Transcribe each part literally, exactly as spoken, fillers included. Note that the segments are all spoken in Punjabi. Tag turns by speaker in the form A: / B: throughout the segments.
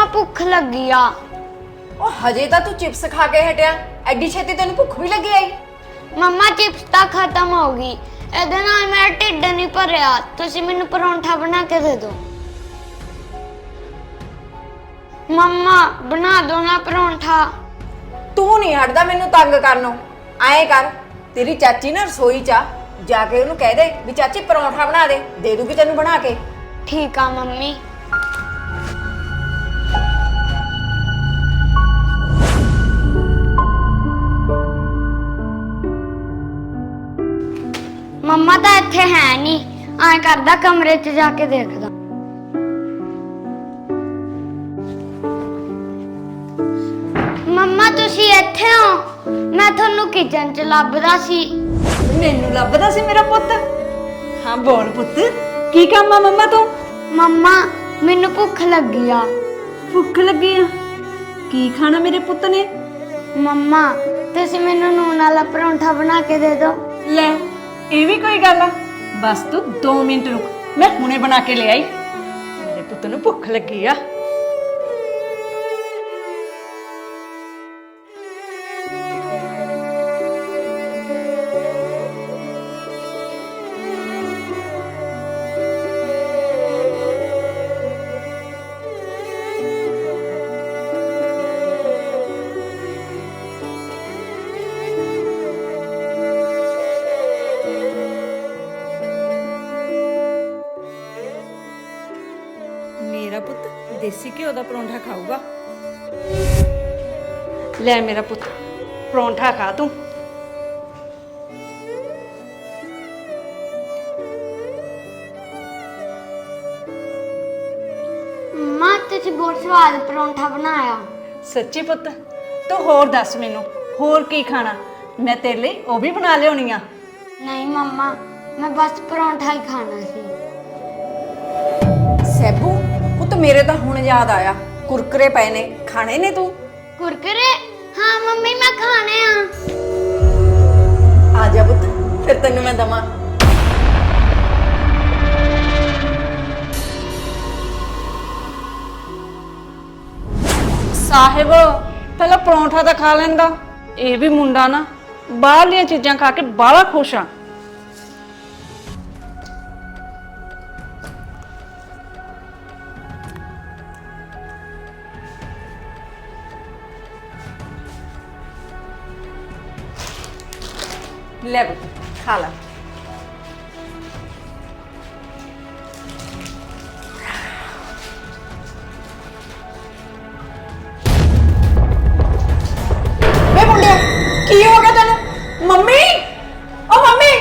A: मम्मा भुख लगी आ।
B: ओ हजे तो तू चिप्स खा के हटिया, एडी छेती तेन भुख भी लगी आई?
A: मम्मा चिप्स तो खत्म हो गई, ਇਹਦੇ ਨਾਲ ਮੇਰਾ ਢਿੱਡ ਨਹੀਂ ਭਰਿਆ। ਤੁਸੀਂ ਮੈਨੂੰ ਪਰੌਂਠਾ ਬਣਾ ਕੇ ਦੇ ਦਿਓ। मम्मा बना दो ना परोंठा।
B: तू नहीं हटदा मैनू तंग करनों। आए कर, तेरी चाची ना रसोई चा जाके उन्होंने कह दे भी चाची परोंठा बना दे, दे दूगी तेनू बना के।
A: ठीक आ मम्मी। मम्मा तो इत्थे है नहीं, आए करदा कमरे च जाके देखदा। मम्मा तुसी इत्थे हो, मैं थानू किचन च लभदा सी।
B: मैनू लभदा सी मेरा पुत्त? हाँ बोल पुत्त, की काम आ मम्मा तू?
A: मम्मा मैनू भुख लगी आ।
B: भुख लगी आ? की खाना मेरे पुत्त ने?
A: मम्मा तुसी मैनू नून वाला परोंठा बना के दे दो।
B: ले ये भी कोई गल आ? बस तू दो मिनट रुक, मैं हुणे बना के ले आई। मेरे पुत्त नू भुख लगी आ। मेरा पुत्त देसी घ्यो का परौंठा खाऊगा। ले मेरा पुत्त परौंठा खा तू।
A: मम्मा तुसी बहुत स्वाद परोंठा बनाया।
B: सच्ची पुत्त? तू होर दस मैनू होर की खाना, मैं तेरे लिए वो भी बना लियानी आ।
A: नहीं मम्मा मैं बस परोंठा ही खाना सी।
B: सैबू पुत्त मेरे तो हुण याद आया, कुरकुरे पे ने, खाने ने तू?
A: कुरकुरे? हाँ मम्मी मैं खाने आ।
B: आ जा पुत्त, फिर तेनू मैं दमा। साहिब पहला परौंठा तो खा लेंदा। ये भी मुंडा ना बाहरलियां चीज़ां खा के बड़ा खुश आ। ले खा ला। वे मुंडे की हो गया तेनू? मम्मी ओ मम्मी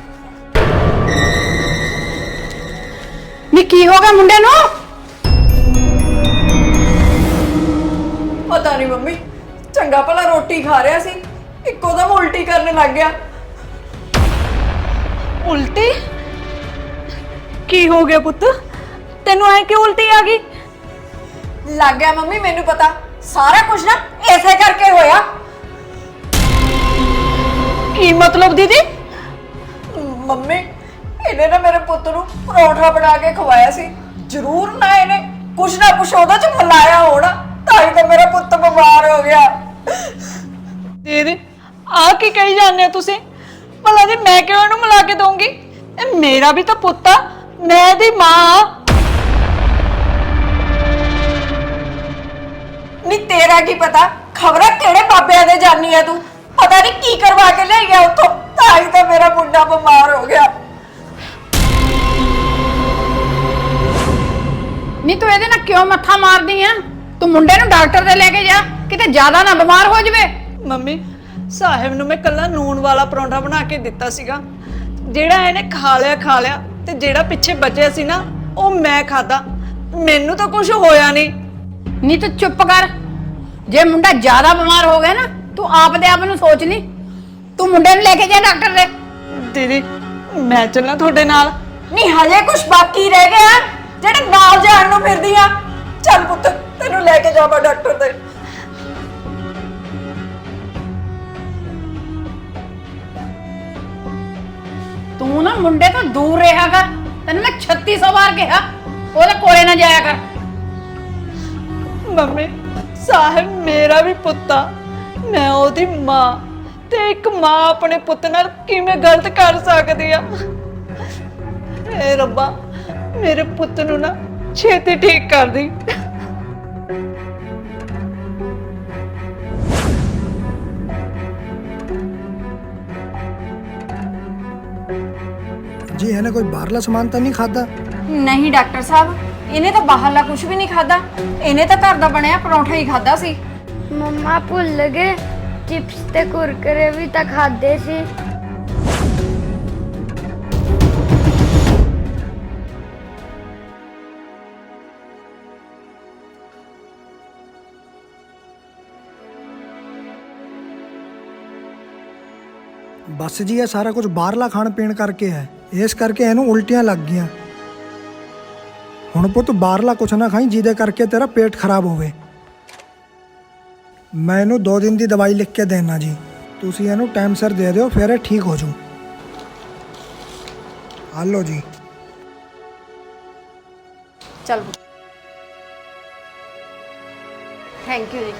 B: नी की हो गया मुंडे नू? पता नहीं मम्मी, चंगा भला रोटी खा रहा सी, इको दम उल्टी करने लग गया। उल्टी? की हो गया पुत्त, तेनू ऐ क्यों उल्टी आ गई? लग गया मम्मी मैनू पता, सारा कुछ ना ऐसे करके होया। की मतलब दीदी? मम्मी इन्हें ना मेरे पुत्त नू परोठा बना के खवाया सी, जरूर ना इन्हें कुछ ना कुछ ओहदे च मिलाया होना, ताई तो मेरा पुत्त बीमार हो गया। दीदी आ की कही जाने तुसी? भला जी मैं क्यों इहनू मिला के दूंगी? ए मेरा भी तो पुत्त आ, मैं दी मां। नी तेरा की पता, खबरा केड़े बाबे दे जानी है तू, पता नहीं की करवा के ले गया उतो, ताई तो मेरा मुंडा बीमार हो गया।
C: नी तू ਇਹਦੇ ਨਾਲ क्यों मत्था मारदी है? तू मुंडे नू डॉक्टर दे लेके जा, किते ज्यादा ना बीमार हो जावे।
B: मम्मी साहिब नू मैं कल्ला नून वाला परौंठा बना के दिता सीगा, जेड़ा इहने खा लिया खा लिया ते जेड़ा पिछे बचे सी ना ओ मैं खाता, मैनू तो कुछ होया नहीं।
C: नी तू चुप कर, जे मुंडा ज्यादा बीमार हो गया ना तू आप दे आप नू सोच ली, तू मुंडे नू लेके जा डॉक्टर दे।
B: दीदी मैं चलना थोड़े नाल? नहीं हजे कुछ बाकी रह गया जेड़े नाल जाण नू फिरदी आ। चल पुत्त तेनू लेके जावा डॉक्टर दे।
C: तू ना मुंडे तो दूर रहा कर, तेन मैं छत्ती सौ बार कहा ओदे कोले ना जाया कर।
B: ਮੰਮੀ ਸਾਹਿਬ ਮੇਰਾ ਵੀ ਪੁੱਤ ਆ, ਮੈਂ ਉਹਦੀ ਮਾਂ, ਤੇ ਇੱਕ ਮਾਂ ਆਪਣੇ ਪੁੱਤ ਨਾਲ ਕਿਵੇਂ ਗਲਤ ਕਰ ਸਕਦੀ ਆ। ਏ ਰੱਬਾ ਮੇਰੇ ਪੁੱਤ ਨੂੰ ਨਾ ਛੇਤੀ ਠੀਕ ਕਰ ਦੀ।
D: जी ਇਹਨੇ ਕੋਈ ਬਾਹਰਲਾ ਸਮਾਨ ਤਾਂ ਨਹੀਂ ਖਾਦਾ?
E: ਨਹੀਂ ਡਾਕਟਰ ਸਾਹਿਬ, ਇਹਨੇ ਤਾਂ ਬਾਹਰਲਾ ਕੁਝ ਵੀ ਨਹੀਂ ਖਾਦਾ। ਇਹਨੇ ਤਾਂ ਘਰ ਦਾ ਬਣਿਆ ਪਰੌਂਠਾ ਹੀ ਖਾਦਾ ਸੀ।
A: ਮੰਮਾ ਭੁੱਲ ਗਏ, ਚਿਪਸ ਤੇ ਕੁਰਕਰੇ ਵੀ ਤਾਂ ਖਾਦੇ ਸੀ।
D: ਬਸ ਜੀ ਇਹ ਸਾਰਾ ਕੁਝ ਬਾਹਰਲਾ ਖਾਣ ਪੀਣ ਕਰਕੇ ਹੈ, ਇਸ ਕਰਕੇ ਇਹਨੂੰ ਉਲਟੀਆਂ ਲੱਗ ਗਈਆਂ। ਹੁਣ ਪੁੱਤ ਬਾਹਰਲਾ ਕੁਛ ਨਾ ਖਾਈ ਜਿਹਦੇ ਕਰਕੇ ਤੇਰਾ ਪੇਟ ਖਰਾਬ ਹੋਵੇ। ਮੈਂ ਇਹਨੂੰ ਦੋ ਦਿਨ ਦੀ ਦਵਾਈ ਲਿਖ ਕੇ ਦੇਣਾ ਜੀ, ਤੁਸੀਂ ਇਹਨੂੰ ਟਾਈਮ ਸਿਰ ਦੇ ਦਿਓ, ਫਿਰ ਇਹ ਠੀਕ ਹੋ ਜੂ। ਆ ਲਓ ਜੀ।
E: ਚਲ ਥੈਂਕ ਯੂ ਜੀ।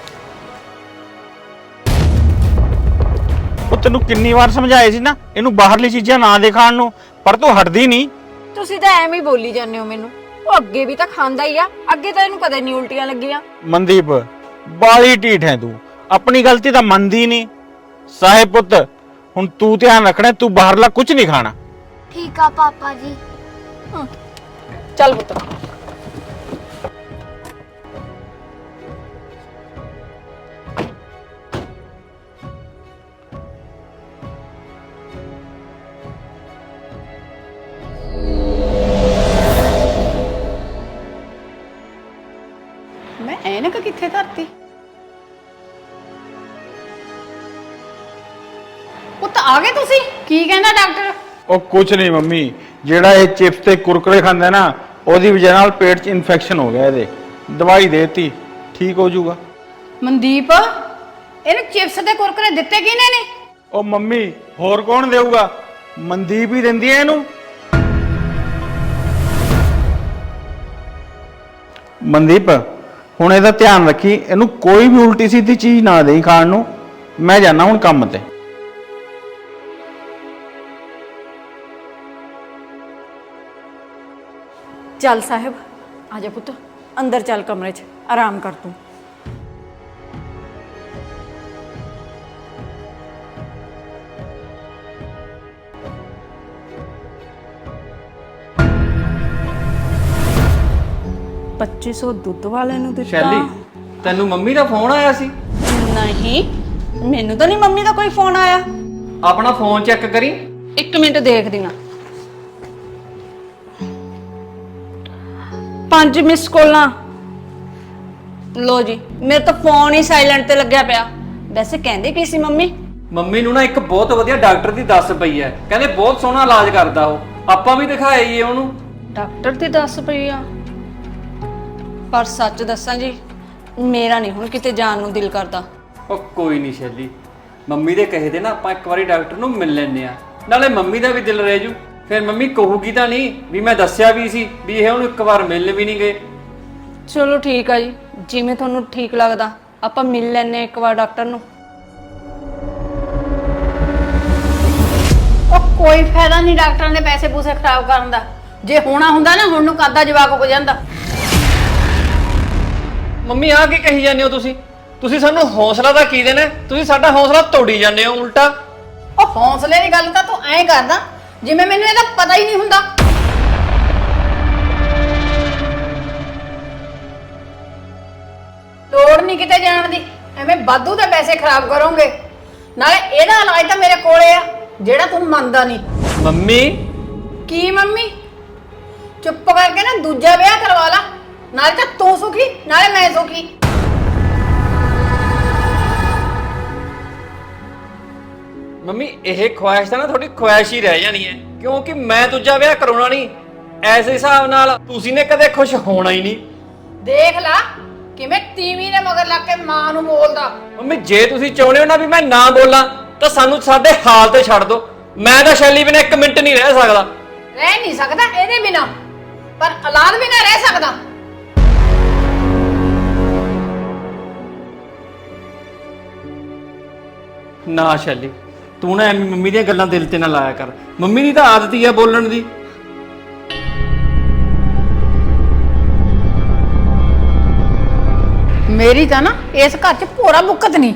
F: ਉਹ ਤੈਨੂੰ ਕਿੰਨੀ ਵਾਰ ਸਮਝਾਏ ਸੀ ਨਾ ਇਹਨੂੰ ਬਾਹਰਲੀ ਚੀਜ਼ਾਂ ਨਾ ਦੇ ਖਾਣ ਨੂੰ, ਪਰ ਤੂੰ ਹਟਦੀ ਨਹੀਂ।
E: ਤੁਸੀਂ ਤਾਂ ਐਵੇਂ ਹੀ ਬੋਲੀ ਜਾਂਦੇ ਹੋ ਮੈਨੂੰ। ਉਹ ਅੱਗੇ ਵੀ ਤਾਂ ਖਾਂਦਾ ਹੀ ਆ, ਅੱਗੇ ਤਾਂ ਇਹਨੂੰ ਕਦੇ ਨਹੀਂ ਉਲਟੀਆਂ ਲੱਗੀਆਂ।
F: ਮਨਦੀਪ ਬਾਲੀ ਢੀਠ ਹੈ ਤੂੰ, ਆਪਣੀ ਗਲਤੀ ਤਾਂ ਮੰਨਦੀ ਨਹੀਂ। ਸਾਹਿਬ ਪੁੱਤ ਹੁਣ ਤੂੰ ਧਿਆਨ ਰੱਖਣਾ, ਤੂੰ ਬਾਹਰਲਾ ਕੁਝ ਨਹੀਂ ਖਾਣਾ।
A: ਠੀਕ ਆ ਪਾਪਾ ਜੀ।
E: ਚੱਲ ਪੁੱਤ।
C: ਮੈਂ ਐਨਕ ਕਿੱਥੇ ਧਰਤੀ? ਪੁੱਤ ਆ ਗਏ ਤੁਸੀਂ? ਕੀ ਕਹਿੰਦਾ ਡਾਕਟਰ?
F: ਉਹ ਕੁਝ ਨਹੀਂ ਮੰਮੀ, ਜਿਹੜਾ ਇਹ ਚਿਪਸ ਤੇ ਕੁਰਕਰੇ ਖਾਂਦਾ ਨਾ ਉਹਦੀ ਵਜ੍ਹਾ ਨਾਲ ਪੇਟ 'ਚ ਇਨਫੈਕਸ਼ਨ ਹੋ ਗਿਆ ਇਹਦੇ। ਦਵਾਈ ਦੇਤੀ, ਠੀਕ ਹੋ ਜਾਊਗਾ।
C: ਮਨਦੀਪ ਇਹਨੂੰ ਚਿਪਸ ਤੇ ਕੁਰਕਰੇ ਦਿੱਤੇ ਕਿਹਨੇ ਨੇ?
F: ਉਹ ਮੰਮੀ ਹੋਰ ਕੌਣ ਦੇਊਗਾ, ਮਨਦੀਪ ਹੀ ਦਿੰਦੀ ਹੈ ਇਹਨੂੰ। ਮਨਦੀਪ ਹੁਣ ਇਹਦਾ ਧਿਆਨ ਰੱਖੀ, ਇਹਨੂੰ ਕੋਈ ਵੀ ਉਲਟੀ ਸਿੱਧੀ ਚੀਜ਼ ਨਾ ਦੇਈ ਖਾਣ ਨੂੰ। ਮੈਂ ਜਾਣਾ ਹੁਣ ਕੰਮ ਤੇ।
E: ਚੱਲ ਸਾਹਿਬ ਆ ਜਾ ਪੁੱਤ, ਅੰਦਰ ਚੱਲ ਕਮਰੇ 'ਚ ਆਰਾਮ ਕਰ ਤੂੰ। ਪੱਚੀ ਸੌ ਦੁੱਧ ਵਾਲੇ ਨੂੰ ਦਿੱਤਾ।
G: ਸ਼ੈਲੀ ਤੈਨੂੰ ਮੰਮੀ ਦਾ ਫੋਨ ਆਇਆ ਸੀ?
E: ਨਹੀਂ, ਮੈਨੂੰ ਤਾਂ ਨਹੀਂ ਮੰਮੀ ਦਾ ਕੋਈ ਫੋਨ ਆਇਆ।
G: ਆਪਣਾ ਫੋਨ ਚੈੱਕ ਕਰੀ।
E: ਇੱਕ ਮਿੰਟ ਦੇਖਦੀ ਹਾਂ। ਪੰਜ ਮਿਸ ਕਾਲਾਂ। ਲੋ ਜੀ, ਮੇਰੇ ਤਾਂ ਫੋਨ ਹੀ ਸਾਇਲੈਂਟ ਤੇ ਲੱਗਿਆ ਪਿਆ। ਵੈਸੇ ਕਹਿੰਦੇ ਕੀ ਸੀ ਮੰਮੀ?
G: ਮੰਮੀ ਨੂੰ ਨਾ ਇੱਕ ਬਹੁਤ ਵਧੀਆ ਡਾਕਟਰ ਦੀ ਦੱਸ ਪਈ ਹੈ, ਕਹਿੰਦੇ ਬਹੁਤ ਸੋਹਣਾ ਇਲਾਜ ਕਰਦਾ ਉਹ। ਆਪਾਂ ਵੀ ਦਿਖਾਇਆ ਹੀ ਉਹਨੂੰ।
E: ਡਾਕਟਰ ਦੀ ਦੱਸ ਪਈ ਆ? ਪਰ ਸੱਚ ਦੱਸਾਂ ਜੀ, ਮੇਰਾ ਨਹੀਂ ਹੁਣ ਕਿਤੇ ਜਾਣ ਨੂੰ ਦਿਲ ਕਰਦਾ।
G: ਉਹ ਕੋਈ ਨਹੀਂ ਸ਼ੈਲੀ, ਮੰਮੀ ਦੇ ਕਹੇ ਦੇ ਨਾ ਆਪਾਂ ਇੱਕ ਵਾਰੀ ਡਾਕਟਰ ਨੂੰ ਮਿਲ ਲੈਨੇ ਆ, ਨਾਲੇ ਮੰਮੀ ਦਾ ਵੀ ਦਿਲ ਰਹਿ ਜੂ। ਫਿਰ ਮੰਮੀ ਕਹੂਗੀ ਤਾਂ ਨਹੀਂ ਵੀ ਮੈਂ ਦੱਸਿਆ ਵੀ ਸੀ ਵੀ ਇਹ ਉਹਨੂੰ ਇੱਕ ਵਾਰ ਮਿਲਣ ਵੀ ਨਹੀਂ ਗਏ।
E: ਚਲੋ ਠੀਕ ਆ ਜੀ, ਜਿਵੇਂ ਤੁਹਾਨੂੰ ਠੀਕ ਲੱਗਦਾ। ਆਪਾਂ ਮਿਲ ਲੈਨੇ ਇੱਕ ਵਾਰ ਡਾਕਟਰ ਨੂੰ।
C: ਉਹ ਕੋਈ ਫਾਇਦਾ ਨਹੀਂ ਡਾਕਟਰਾਂ ਦੇ ਪੈਸੇ ਪੂਸੇ ਖਰਾਬ ਕਰਨ ਦਾ। ਜੇ ਹੋਣਾ ਹੁੰਦਾ ਨਾ ਹੁਣ ਨੂੰ ਕਾਦਾ ਜਵਾਕ ਹੋ ਜਾਂਦਾ।
G: ਮੰਮੀ ਆ ਕੀ ਕਹੀ ਜਾਂਦੇ ਹੋ ਤੁਸੀਂ? ਤੁਸੀਂ ਸਾਨੂੰ ਹੌਸਲਾ ਤਾਂ ਕੀ ਦੇਣਾ, ਤੁਸੀਂ ਸਾਡਾ ਹੌਸਲਾ ਤੋੜੀ ਜਾਂਦੇ ਹੋ ਉਲਟਾ।
C: ਉਹ ਹੌਸਲੇ ਦੀ ਗੱਲ ਤਾਂ ਤੂੰ ਐਂ ਕਰਦਾ ਜਿਵੇਂ ਮੈਨੂੰ ਇਹਦਾ ਪਤਾ ਹੀ ਨਹੀਂ ਹੁੰਦਾ। ਲੋੜ ਨਹੀਂ ਕਿਤੇ ਜਾਣ ਦੀ, ਐਵੇਂ ਵਾਧੂ ਦੇ ਪੈਸੇ ਖਰਾਬ ਕਰੋਗੇ। ਨਾਲੇ ਇਹਦਾ ਇਲਾਜ ਤਾਂ ਮੇਰੇ ਕੋਲੇ ਆ, ਜਿਹੜਾ ਤੂੰ ਮੰਨਦਾ ਨਹੀਂ।
G: ਮੰਮੀ
C: ਕੀ ਮੰਮੀ? ਚੁੱਪ ਕਰਕੇ ਨਾ ਦੂਜਾ ਵਿਆਹ ਕਰਵਾ ਲਾ, ਨਾਲੇ ਤਾਂ ਤੂੰ ਸੁਖੀ ਨਾਲੇ ਮੈਂ ਸੁਖੀ।
G: ਮੰਮੀ ਇਹ ਖੁਆਇਸ਼ ਤਾਂ ਨਾ ਤੁਹਾਡੀ ਖੁਆਇਸ਼ ਹੀ ਰਹਿ ਜਾਣੀ ਹੈ, ਕਿਉਂਕਿ ਮੈਂ ਦੂਜਾ ਵਿਆਹ ਕਰਾਉਣਾ ਨਹੀਂ। ਐਸੇ ਹਿਸਾਬ ਨਾਲ ਤੁਸੀਂ ਨੇ ਕਦੇ ਖੁਸ਼ ਹੋਣਾ ਹੀ ਨਹੀਂ।
C: ਦੇਖ ਲਾ ਕਿਵੇਂ ਤੀਵੀਂ ਦੇ ਮਗਰ ਲੱਗ ਕੇ ਮਾਂ ਨੂੰ ਬੋਲਦਾ।
G: ਮੰਮੀ ਜੇ ਤੁਸੀਂ ਚਾਹੁੰਦੇ ਹੋ ਨਾ ਵੀ ਮੈਂ ਨਾ ਬੋਲਾਂ ਤਾਂ ਸਾਨੂੰ ਸਾਡੇ ਹਾਲ ਤੇ ਛੱਡ ਦਿਓ। ਮੈਂ ਤਾਂ ਸ਼ੈਲੀ ਬਿਨਾਂ ਇੱਕ ਮਿੰਟ ਨਹੀਂ ਰਹਿ ਸਕਦਾ।
C: ਰਹਿ ਨਹੀਂ ਸਕਦਾ ਇਹਦੇ ਬਿਨਾ, ਪਰ ਔਲਾਦ ਬਿਨਾ ਰਹਿ ਸਕਦਾ।
G: ਨਾ ਸ਼ੈਲੀ, ਤੂੰ ਨਾ ਐਵੇਂ ਮੰਮੀ ਦੀਆਂ ਗੱਲਾਂ ਦਿਲ ਤੇ ਨਾ ਲਾਇਆ ਕਰ। ਮੰਮੀ ਦੀ ਤਾਂ ਆਦਤ ਹੀ ਆ ਬੋਲਣ ਦੀ।
C: ਮੇਰੀ ਤਾਂ ਨਾ ਇਸ ਘਰ 'ਚ ਭੋਰਾ ਬੁੱਕਤ ਨਹੀਂ।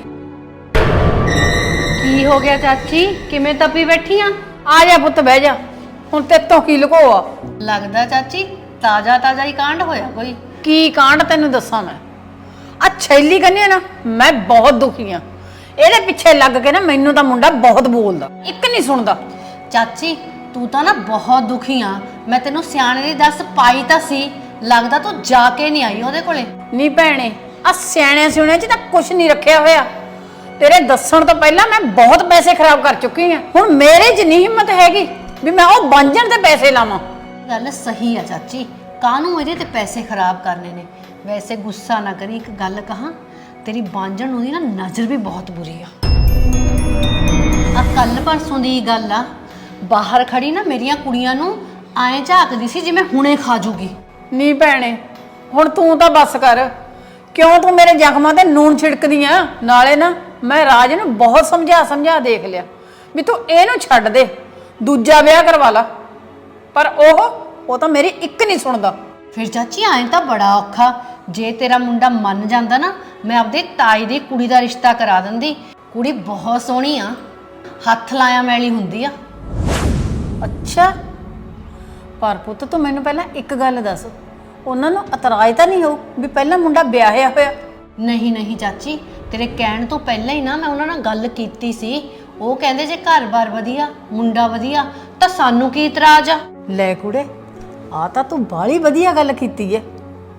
E: ਕੀ ਹੋ ਗਿਆ ਚਾਚੀ, ਕਿਵੇਂ ਤਪੀ ਬੈਠੀ ਆ?
C: ਆ ਜਾ ਪੁੱਤ ਬਹਿ ਜਾ, ਹੁਣ ਤੇ ਤੋਂ ਕੀ ਲੁਕੋ ਆ?
E: ਲੱਗਦਾ ਚਾਚੀ ਤਾਜ਼ਾ ਤਾਜ਼ਾ ਹੀ ਕਾਂਡ ਹੋਇਆ ਕੋਈ।
C: ਕੀ ਕਾਂਡ ਤੈਨੂੰ ਦੱਸਾਂ ਮੈਂ। ਆ ਛੈਲੀ ਕਹਿੰਦੀ ਆ ਨਾ, ਮੈਂ ਬਹੁਤ ਦੁਖੀ ਆ। ਇਹਦੇ ਪਿੱਛੇ ਲੱਗ ਕੇ ਨਾ ਮੈਨੂੰ ਤਾਂ ਮੁੰਡਾ ਬਹੁਤ ਬੋਲਦਾ, ਇੱਕ ਨਹੀਂ ਸੁਣਦਾ।
E: ਚਾਚੀ ਤੂੰ ਤਾਂ ਨਾ ਬਹੁਤ ਦੁਖੀ ਆ। ਮੈਂ ਤੈਨੂੰ ਸਿਆਣੇ ਦੀ ਦੱਸ ਪਾਈ ਤਾਂ ਸੀ, ਲੱਗਦਾ ਤੂੰ ਜਾ ਕੇ ਨਹੀਂ ਆਈ ਉਹਦੇ ਕੋਲੇ।
C: ਨਹੀਂ ਭੈਣੇ, ਆ ਸਿਆਣਿਆਂ ਸਿਉਣਿਆਂ 'ਚ ਤਾਂ ਕੁਝ ਨਹੀਂ ਰੱਖਿਆ ਹੋਇਆ। ਤੇਰੇ ਦੱਸਣ ਤੋਂ ਪਹਿਲਾਂ ਮੈਂ ਬਹੁਤ ਪੈਸੇ ਖਰਾਬ ਕਰ ਚੁੱਕੀ ਆ। ਹੁਣ ਮੇਰੇ 'ਚ ਨਹੀਂ ਹਿੰਮਤ ਹੈਗੀ ਵੀ ਮੈਂ ਉਹ ਬਾਂਝਣ ਤੇ ਪੈਸੇ ਲਾਵਾਂ।
E: ਗੱਲ ਸਹੀ ਆ ਚਾਚੀ, ਕਾਹਨੂੰ ਇਹਦੇ ਤੇ ਪੈਸੇ ਖਰਾਬ ਕਰਨੇ ਨੇ। ਵੈਸੇ ਗੁੱਸਾ ਨਾ ਕਰੀ, ਇੱਕ ਗੱਲ ਕਹਾਂ, ਤੇਰੀ ਬਾਂਝਣ ਨੂੰ ਦੀ ਨਾ ਨਜ਼ਰ ਵੀ ਬਹੁਤ ਬੁਰੀ ਆ। ਆ ਕੱਲ ਪਰਸੋਂ ਦੀ ਗੱਲ ਆ, ਬਾਹਰ ਖੜੀ ਨਾ ਮੇਰੀਆਂ ਕੁੜੀਆਂ ਨੂੰ ਐਂ ਝਾਕਦੀ ਸੀ ਜਿਵੇਂ ਹੁਣੇ ਖਾ ਜੂਗੀ।
C: ਨਹੀਂ ਭੈਣੇ, ਹੁਣ ਤੂੰ ਤਾਂ ਬੱਸ ਕਰ। ਕਿਉਂ ਤੂੰ ਮੇਰੇ ਜ਼ਖਮਾਂ ਤੇ ਨੂਨ ਛਿੜਕਦੀ ਆ? ਨਾਲੇ ਨਾ ਮੈਂ ਰਾਜ ਨੂੰ ਬਹੁਤ ਸਮਝਾ ਸਮਝਾ ਦੇਖ ਲਿਆ ਵੀ ਤੂੰ ਇਹਨੂੰ ਛੱਡ ਦੇ, ਦੂਜਾ ਵਿਆਹ ਕਰਵਾ ਲਾ, ਪਰ ਉਹ ਉਹ ਤਾਂ ਮੇਰੀ ਇੱਕ ਨਹੀਂ ਸੁਣਦਾ।
E: ਫਿਰ ਚਾਚੀ ਐਂ ਤਾਂ ਬੜਾ ਔਖਾ। ਜੇ ਤੇਰਾ ਮੁੰਡਾ ਮੰਨ ਜਾਂਦਾ ਨਾ, ਮੈਂ ਆਪਦੇ ਤਾਈ ਦੀ ਕੁੜੀ ਦਾ ਰਿਸ਼ਤਾ ਕਰਾ ਦਿੰਦੀ। ਕੁੜੀ ਬਹੁਤ ਸੋਹਣੀ ਆ, ਹੱਥ ਲਾਇਆ ਮੈਲੀ ਹੁੰਦੀ ਆ।
C: ਅੱਛਾ, ਪਰ ਪੁੱਤ ਤੂੰ ਮੈਨੂੰ ਪਹਿਲਾਂ ਇੱਕ ਗੱਲ ਦੱਸ, ਉਹਨਾਂ ਨੂੰ ਇਤਰਾਜ਼ ਤਾਂ ਨਹੀਂ ਹੋ ਵੀ ਪਹਿਲਾਂ ਮੁੰਡਾ ਵਿਆਹਿਆ ਹੋਇਆ?
E: ਨਹੀਂ ਨਹੀਂ ਚਾਚੀ, ਤੇਰੇ ਕਹਿਣ ਤੋਂ ਪਹਿਲਾਂ ਹੀ ਨਾ ਮੈਂ ਉਹਨਾਂ ਨਾਲ ਗੱਲ ਕੀਤੀ ਸੀ। ਉਹ ਕਹਿੰਦੇ ਜੇ ਘਰ-ਬਾਰ ਵਧੀਆ, ਮੁੰਡਾ ਵਧੀਆ, ਤਾਂ ਸਾਨੂੰ ਕੀ ਇਤਰਾਜ਼ ਆ।
C: ਲੈ ਕੁੜੇ, ਆ ਤਾਂ ਤੂੰ ਬਾਹਲੀ ਵਧੀਆ ਗੱਲ ਕੀਤੀ ਏ।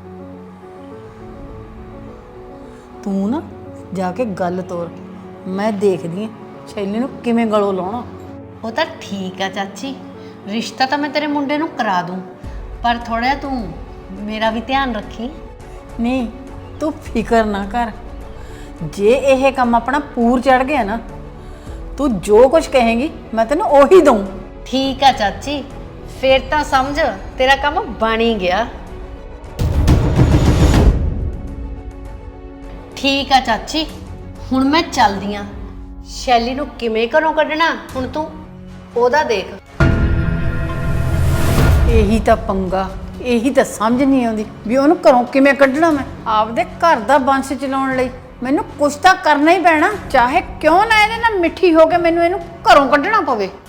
C: ਤੂੰ ਨਾ ਜਾ ਕੇ ਗੱਲ ਤੋਰ, ਮੈਂ ਦੇਖਦੀ ਆ ਸ਼ੈਲੀ ਨੂੰ ਕਿਵੇਂ ਗਲੋਂ ਲਾਉਣਾ।
E: ਉਹ ਤਾਂ ਠੀਕ ਆ ਚਾਚੀ, ਰਿਸ਼ਤਾ ਤਾਂ ਮੈਂ ਤੇਰੇ ਮੁੰਡੇ ਨੂੰ ਕਰਾ ਦੂੰ, ਪਰ ਥੋੜਾ ਤੂੰ ਮੇਰਾ ਵੀ ਧਿਆਨ ਰੱਖੀ।
C: ਨਹੀਂ, ਤੂੰ ਫਿਕਰ ਨਾ ਕਰ। ਜੇ ਇਹ ਕੰਮ ਆਪਣਾ ਪੂਰ ਚੜ ਗਿਆ ਨਾ, ਤੂੰ ਜੋ ਕੁਝ ਕਹੇਂਗੀ ਮੈਂ ਤੈਨੂੰ ਉਹੀ ਦਊਂ।
E: ਠੀਕ ਆ ਚਾਚੀ, ਫੇਰ ਤਾਂ ਸਮਝ ਤੇਰਾ ਕੰਮ ਬਣ ਹੀ ਗਿਆ। ਠੀਕ ਆ ਚਾਚੀ, ਹੁਣ ਮੈਂ ਚੱਲਦੀ ਆ। ਸ਼ੈਲੀ ਨੂੰ ਕਿਵੇਂ ਘਰੋਂ ਕੱਢਣਾ ਹੁਣ ਤੂੰ ਉਹਦਾ ਦੇਖ।
C: ਇਹੀ ਤਾਂ ਪੰਗਾ, ਇਹੀ ਤਾਂ ਸਮਝ ਨਹੀਂ ਆਉਂਦੀ ਵੀ ਉਹਨੂੰ ਘਰੋਂ ਕਿਵੇਂ ਕੱਢਣਾ। ਮੈਂ ਆਪਦੇ ਘਰ ਦਾ ਬੰਸ਼ ਚਲਾਉਣ ਲਈ ਮੈਨੂੰ ਕੁਛ ਤਾਂ ਕਰਨਾ ਹੀ ਪੈਣਾ, ਚਾਹੇ ਕਿਉਂ ਨਾ ਇਹਦੇ ਨਾਲ ਮਿੱਠੀ ਹੋ ਕੇ ਮੈਨੂੰ ਇਹਨੂੰ ਘਰੋਂ ਕੱਢਣਾ ਪਵੇ।